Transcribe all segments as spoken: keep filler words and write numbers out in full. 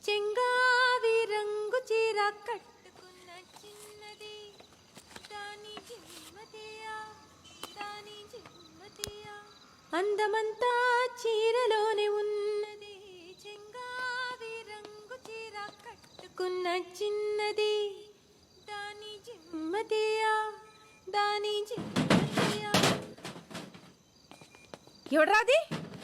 చెంగావి రంగు చీర కట్టుకున్న చిన్నది దాని జిమ్మతియా దాని జిమ్మతియా అందమంతా చీరలోనే ఉన్నది చెంగావి రంగు చీర కట్టుకున్న చిన్నది దాని జిమ్మతియా దాని జిమ్మతియా. ఎవడ్రాది?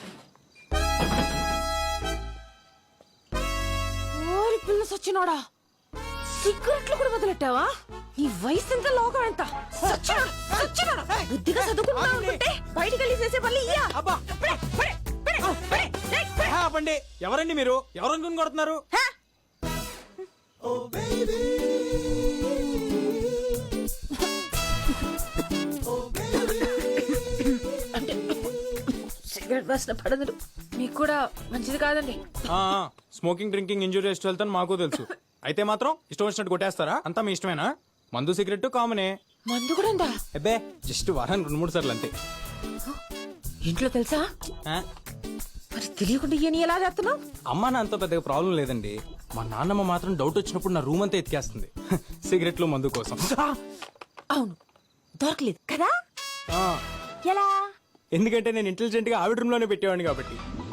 పిల్ల సచ్చినోడా, సిగరెట్లు కూడా వదిలెట్టావా? నీ వయసు ఎంత, లోకం ఎంత? బుద్ధిగా చదువుకుంటా ఉంటే బయటికి వెళ్ళి చేసే పని ఎవరండి మీరు? ఎవరు కొడుతున్నారు? సిగరెట్ వాసన పడదు, మీకు కూడా మంచిది కాదండి. స్మోకింగ్ డ్రింకింగ్ ఇంజూరియస్ వెళ్తాను మాకు తెలుసు. అయితే మాత్రం ఇష్టం వచ్చినట్టు కొట్టేస్తారా? అంతా మీ ఇష్టమేనా? మందు సిగరెట్ కామనే. మందు కూడా ఉందా? అబ్బే జస్ట్ వారానికి రెండు మూడు సార్లు అంతే. ఇంట్లో తెలుసా? మరి తెలియకుండా ఇయని ఎలా చేస్తున్నావు? అమ్మా నా అంత పెద్దగా ప్రాబ్లం లేదండి. మా నాన్నమ్మ మాత్రం డౌట్ వచ్చినప్పుడు నా రూమ్ అంతా ఎత్తికేస్తుంది సిగరెట్లు మందు కోసం. అవును, దొరకలేదు కదా? ఎలా? ఎందుకంటే నేను ఇంటెలిజెంట్ గా ఆవిడ రూమ్ లోనే పెట్టేవాడిని కాబట్టి.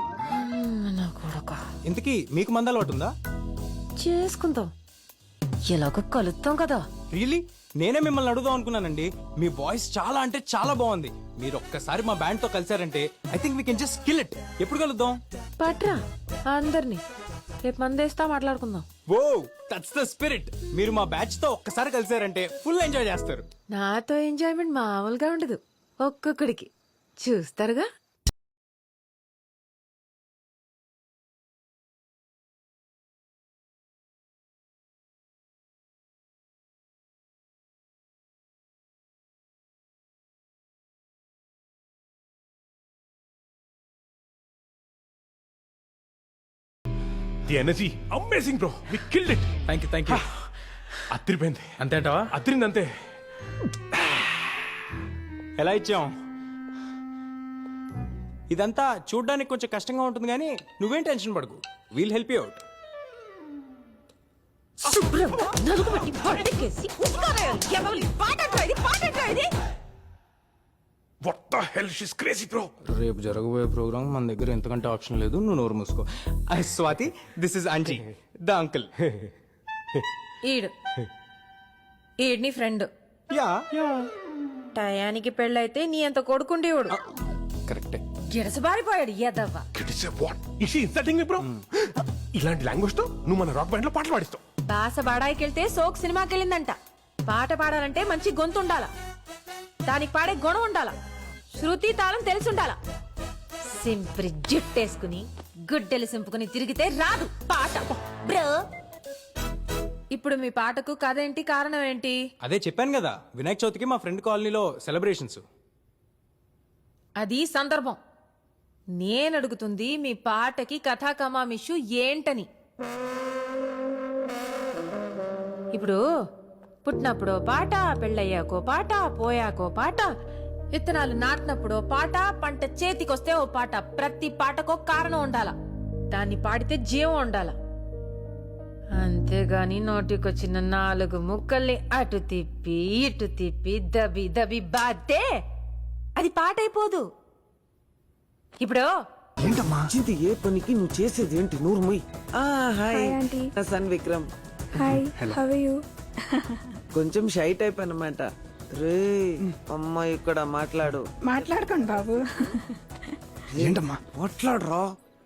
ఇంతకీ మీకు మంద అలవాటు ఉందా? చేసుకుందాం, ఎలాగో కలుద్దాం కదా. రియలీ? నేనే మిమ్మల్ని అడుగుదాం అనుకున్నానండి. మీ వాయిస్ చాలా అంటే చాలా బాగుంది. మీరు ఒక్కసారి మా బ్యాండ్ తో కలిసారంటే I think we can just kill it. ఎప్పుడు కలుద్దాం? పట్రా అందరినీ, రేపు మందేస్తా మాట్లాడుకుందాం. Oh that's the spirit. మీరు మా బ్యాచ్ తో ఒక్కసారి కలిసారంటే ఫుల్ ఎంజాయ్ చేస్తారు. నాతో ఎంజాయ్మెంట్ మామూలుగా ఉండదు, ఒక్కొక్కడికి చూస్తారుగా. The energy, amazing bro. We killed it. Thank you thank you. అత్తిరిపోయింది. అంతే అంటావా? అత్తిరింది అంతే. ఎలా ఇచ్చాం? ఇదంతా చూడ్డానికి కొంచెం కష్టంగా ఉంటుంది కానీ నువ్వేం టెన్షన్ పడకు. We'll help you out. What the hell? She's crazy bro. రేపు జరగబోయే ప్రోగ్రామ్ మన దగ్గర ఎంతకంటే ఆప్షన్ లేదు. నువ్వు నోరు మూసుకో. I Swathi, this is Anji the uncle. ఈడు ఈడ్ నీ ఫ్రెండ్. యా టయానికి పెళ్ళైతే నీ అంత కొడుకుండేవాడు. కరెక్టే. గిడసబారిపోయాడు ఎదవ్వ. What? Is she insulting me bro? ఇలాంటి లాంగ్వేజ్ తో నువ్వు మన రాక్ బ్యాండ్ లో పాటలు పాడిస్తావు. బాస బాడాయికెళ్తే సోక్ సినిమాకి వెళ్ళిందంట. పాట పాడాలంటే మంచి గొంతు ఉండాలా, దానికి పాడే గుణం ఉండాలా, శృతి తాళం తెలిసి ఉండాలా. సింప్రి జుట్టేసుకుని గుడ్డెలు సింపుకుని తిరిగితే రాదు పాట బ్రో. ఇప్పుడు మీ పాటకు కథ ఏంటి, కారణం ఏంటి? అదే చెప్పాను కదా, వినాయక చవితికి మా ఫ్రెండ్ కాలనీలో సెలబ్రేషన్స్. అది సందర్భం. నేను అడుగుతుంది మీ పాటకి కథా కమామిషు ఏంటని. ఇప్పుడు పుట్టినప్పుడో పాట, పెళ్ళయ్యాకో పాట, పోయాకో పాట, విత్తనాలు నాటినప్పుడో పాట, పంట చేతికొస్తే ఓ పాట. ప్రతి పాటకో కారణం ఉండాల, దాన్ని పాడితే జీవం ఉండాల. అంతేగాని నోటికొచ్చిన నాలుగు ముక్కల్ని అటు తిప్పి ఇటు తిప్పి దబి దబి బాతే అది పాట అయిపోదు. ఇప్పుడు ఏంటమ్మా ఏ పనికి నువ్వు చేసేది ఏంటి? నూరు మొయ్. Hi son Vikram. Hi, how are you? కొంచెం షై టైప్ అన్నమాట. రే అమ్మ ఇక్కడ మాట్లాడు. మాట్లాడుకోండి బాబు. ఏంటమ్మా మాట్లాడరా?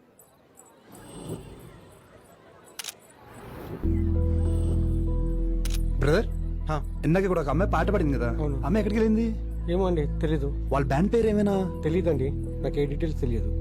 బ్రదర్, ఇందాక కూడా ఒక అమ్మాయి పాట పాడింది కదా, అమ్మాయి ఎక్కడికి వెళ్ళింది? ఏమో అండి, తెలీదు. వాళ్ళ బ్యాండ్ పేరు ఏమైనా తెలీదండి, నాకు ఏ డీటెయిల్స్ తెలియదు.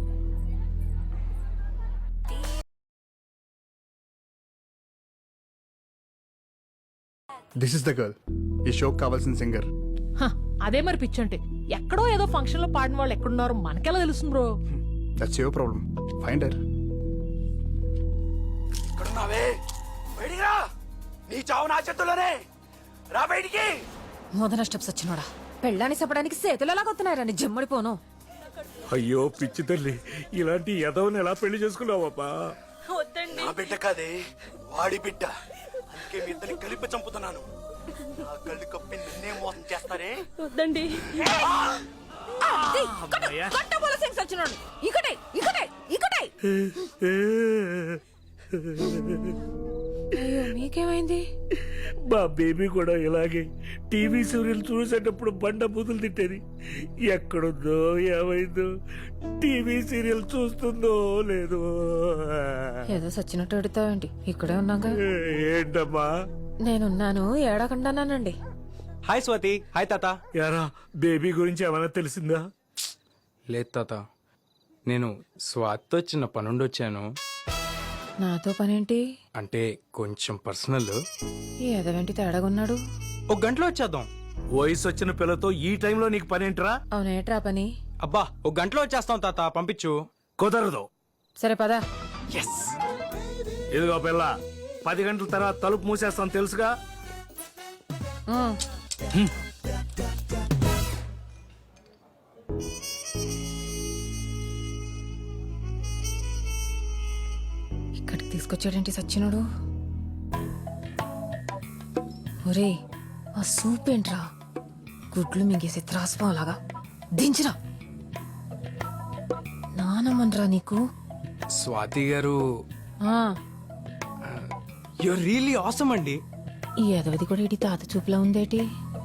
దిస్ ఇస్ ద గర్ల్, ఈ షోకి కావాల్సిన సింగర్. అదే మరి పిచ్చంటే, ఎక్కడో ఏదో ఫంక్షన్ లో పాడిన వాళ్ళు ఎక్కడున్నారో మనకెలా తెలుస్తుంది bro? That's your problem. Find her. ఇక్కడున్నావే, బయటికి రా. నీ చావు నా చేతుల్లోనే, రా బయటికి. మొదన స్టెప్స్ వచ్చినోడా, పెళ్ళాన్ని చెప్పడానికి చేతులు ఎలాగొస్తున్నారా నీ జమ్మడిపోను. అయ్యో పిచ్చి తల్లి, ఇలాంటి యదవని ఎలా పెళ్లి చేసుకున్నావబ్బా? వద్దండి వద్దండి నా బిడ్డ కాదే వాడి బిడ్డ అందుకే మీ ఇద్దరిని కలిపి చంపుతున్నాను నా కళ్ళు కప్పి నిన్నే మోసం చేస్తారే వద్దండి సచ్చినోడు ఇకటే ఇకటే ఇకటే అయ్యో మీకేమైంది? మా బేబీ కూడా ఇలాగే టీవీ సీరియల్ చూసేటప్పుడు బండ బూతులు తిట్టేది. ఎక్కడుందో ఏమైందో, టీవీ సీరియల్ చూస్తుందో లేదో. ఏదో సచ్చినట్టు అడుగుతావేంటి? ఇక్కడే ఉన్నాగా. ఏంటమ్మా? నేనున్నాను ఏడకుండానండి. హాయ్ స్వాతి. హాయ్ తాత. యారా బేబీ గురించి ఏమైనా తెలిసిందా? లేదు తాత, నేను స్వాతితో చిన్న పనుండి వచ్చాను. నాతో పనేంటి? అంటే కొంచెం పర్సనల్. ఈ ఎదవేంటి తేడాగున్నాడు? ఒక గంటలో వచ్చేద్దాం. వయసు వచ్చిన పిల్లతో ఈ టైంలో నీకు పనేంట్రా? అవునేట్రా పని? అబ్బా ఒక గంటలో వచ్చేస్తాం తాత, పంపించు. కుదరదు. సరే పదా. ఇదిగో పిల్ల, పది గంటల తర్వాత తలుపు మూసేస్తాను తెలుసుగా. ఇక్కడికి తీసుకొచ్చాడేంటి సచ్చినోడు? ఒరే ఆ సూప్ ఏంట్రా? గుడ్లు మింగేసి త్రాసుపాలాగా దించరా. నానమ్మన్రా నీకు. స్వాతి గారు ఆ యూర్ రియలీ ఆసమ్ అండి. ఈ ఎదవది కూడా ఇటు తాత చూపులా ఉందేటి?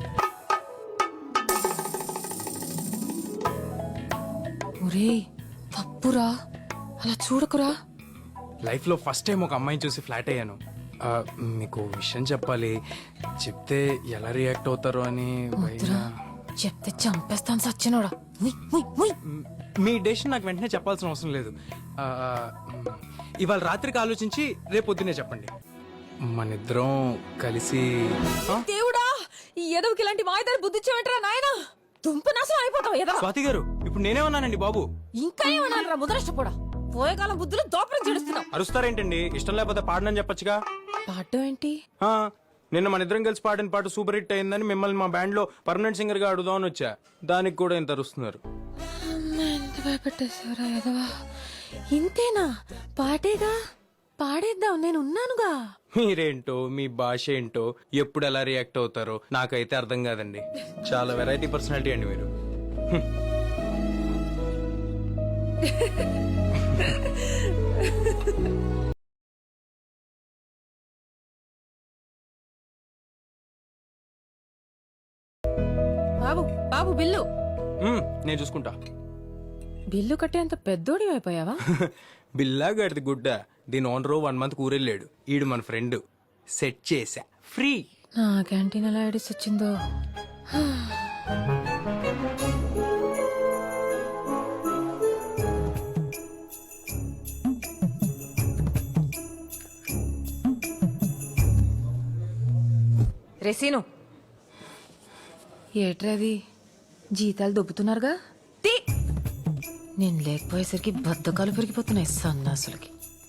ఒరే తప్పురా, అలా చూడకురా. లైఫ్ లో ఫస్ట్ టైం ఒక అమ్మాయిని చూసి ఫ్లాట్ అయ్యాను. ఆ, మీకు ఓ విషయం చెప్పాలి. చెప్తే ఎలా రియాక్ట్ అవుతారో అని వద్దురా, భయం. చెప్తే చంపేస్తాను సచ్చినోడా. ఉయ్, ఉయ్, ఉయ్. మ్, మీ డెసిషన్ నాకు వెంటనే చెప్పాల్సిన అవసరం లేదు. ఆ, మ్, ఇవాళ రాత్రికి ఆలోచించి రేపు పొద్దునే చెప్పండి. మనిద్దరం కలిసి ఆ? దేవుడా, ఈ ఎదవకి ఇలాంటి మాయదారి బుద్ధి ఇచ్చావేంట్రా నాయనా? దుంప నాశనం అయిపోతావు ఎదవ. స్వాతి గారు ఇప్పుడు నేనేమన్నానండి బాబు? ఇంకా ఏమన్నారా ముదరష్టపోడా? పోయే కాలం బుద్ధులు దోపరం చెడుస్తున్నావు. అరుస్తారేంటండి? ఇష్టం లేకపోతే పాడనని చెప్పొచ్చుగా. పాడడం ఏంటి? ఆ, నిన్న మన ఇద్దరం కలిసి పాడిన పాట సూపర్ హిట్ అయిందని మిమ్మల్ని మా బ్యాండ్ లో పర్మనెంట్ సింగర్ గా అడుగుదామని వచ్చా. దానికి కూడా ఇంత అరుస్తున్నారు. అమ్మా, ఎంత భయపెట్టేశారా ఎదవా. ఇంతేనా? పాటేగా, పాడేద్దాం, నేను ఉన్నానుగా. మీరేంటో మీ భాష ఏంటో ఎప్పుడు ఎలా రియాక్ట్ అవుతారో నాకైతే అర్థం కాదండి. చాలా వెరైటీ పర్సనాలిటీ అండి మీరు. బాబు బాబు బిల్లు. మ్మ్, నేను చూసుకుంటా. బిల్లు కట్టేంత పెద్దోడి అయిపోయావా? బిల్లా గడిది గుడ్డ. దీని ఓనరు వన్ మంత్ ఊరెళ్ళాడు. ఈడు మన ఫ్రెండ్. సెట్ చేసా ఫ్రీ. నా క్యాంటీన్ ఎలా ఐడిస్ వచ్చిందో. రెసీను ఏట్రది? జీతాలు దొబ్బుతున్నారుగా. తీ. నేను లేకపోయేసరికి బద్దకాలు పెరిగిపోతున్నాయి సన్నాసులకి.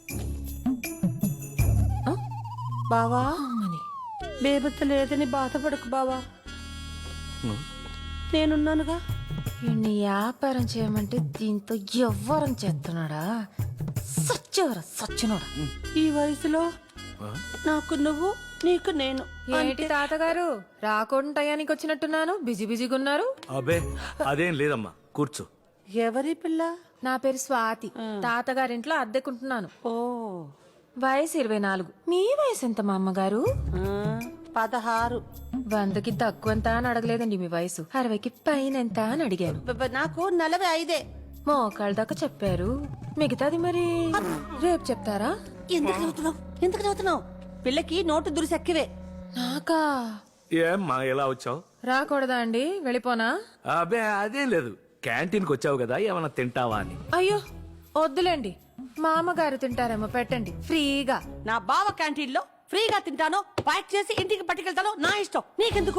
బావా అమ్మని బేబత్త లేదని బాధపడకు బావా, నేనున్నానుగా. ఈయన్ని వ్యాపారం చేయమంటే దీంతో ఎవ్వరం చేస్తున్నాడా? సచ్చేవరా సచ్చినోడా. ఈ వయసులో నాకు నువ్వు, నీకు నేను. ఏంటి తాతగారు రాకుండా టయానికి వచ్చినట్టున్నాను? బిజీ బిజీగా ఉన్నారు. అబే అదేం లేదమ్మా, కూర్చో. ఎవరి పిల్ల? నా పేరు స్వాతి. తాతగారింట్లో అద్దెకుంటున్నాను. ఓ వయసు ఇరవై నాలుగు. మీ వయసు ఎంత మా అమ్మగారు? ఆ, పదహారు. వందకి తక్కువంత అని అడగలేదండి మీ వయసు. అరవైకి పైన ఎంత అని అడిగాను. బ- బ- నాకు నలభై ఐదే. మోకాళ్ళ దాకా చెప్పారు. మిగతాది మరి రేపు చెప్తారా? ఎందుకు చదువుతున్నావు? ఎందుకు చదువుతున్నావు? పిల్లకి నోటు దురిసెక్కివే. నాకా? ఏమ్మా ఎలా వచ్చావు? రాకూడదా అండి? వెళ్ళిపోనా? అబే అదేం లేదు, క్యాంటీన్కి వచ్చావు కదా ఏమన్నా తింటావా అని. అయ్యో వద్దులేండి, మా అమ్మగారు తింటారేమో, పెట్టండి ఫ్రీగా. నా బావ క్యాంటీన్ లో ఫ్రీగా తింటానో ప్యాక్ చేసి ఇంటికి పట్టుకెళ్తానో నా ఇష్టం, నీకెందుకు?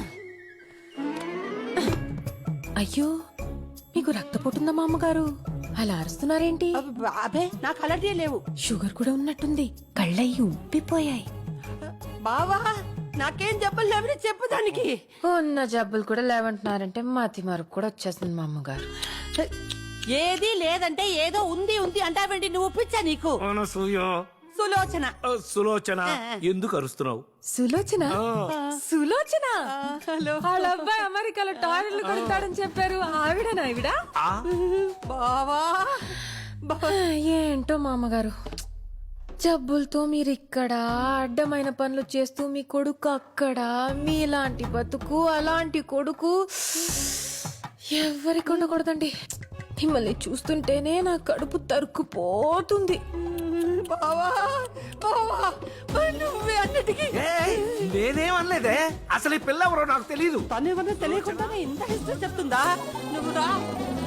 అయ్యో మీకు రక్తపోటుందా మా అమ్మగారు? అలా అరుస్తున్నారేంటి? అబ్బ- అబ్బే నాకు అలర్జీ లేవు. షుగర్ కూడా ఉన్నట్టుంది. కళ్ళయ్యి ఉబ్బిపోయాయి. బావా నాకేం జబ్బులు లేవని చెప్పు దానికి. ఉన్న జబ్బులు కూడా లేవంటున్నారంటే మతి మరుపు కూడా వచ్చేస్తుంది మా అమ్మగారు. ఏది లేదంటే ఏదో ఉంది ఉంది అంటావేంటి? నువ్వు పిచ్చా నీకు? అనసూయ సులోచన ఆ, సులోచన ఎందుకు అరుస్తున్నావు? సులోచన సులోచన వాళ్ళ అబ్బాయి అమెరికాలో టాయిలెట్లు కొడతాడని చెప్పారు. ఆవిడనా ఆవిడ? బావా ఏంటో మామగారు, జబ్బులతో మీరు ఇక్కడ, అడ్డమైన పనులు చేస్తూ మీ కొడుకు అక్కడ, మీలాంటి బతుకు అలాంటి కొడుకు ఎవరికి ఉండకూడదండి. మిమ్మల్ని చూస్తుంటేనే నా కడుపు తరుక్కుపోతుంది. బావా బావా మరి నువ్వే అన్నిటికీ నేనేమనలేదే, అసలు ఈ పిల్ల ఎవరో నాకు తెలియదు. తను ఏమన్నా తెలియకుండా ఇంత హిస్టరీ చెప్తుందా? నువ్వు రా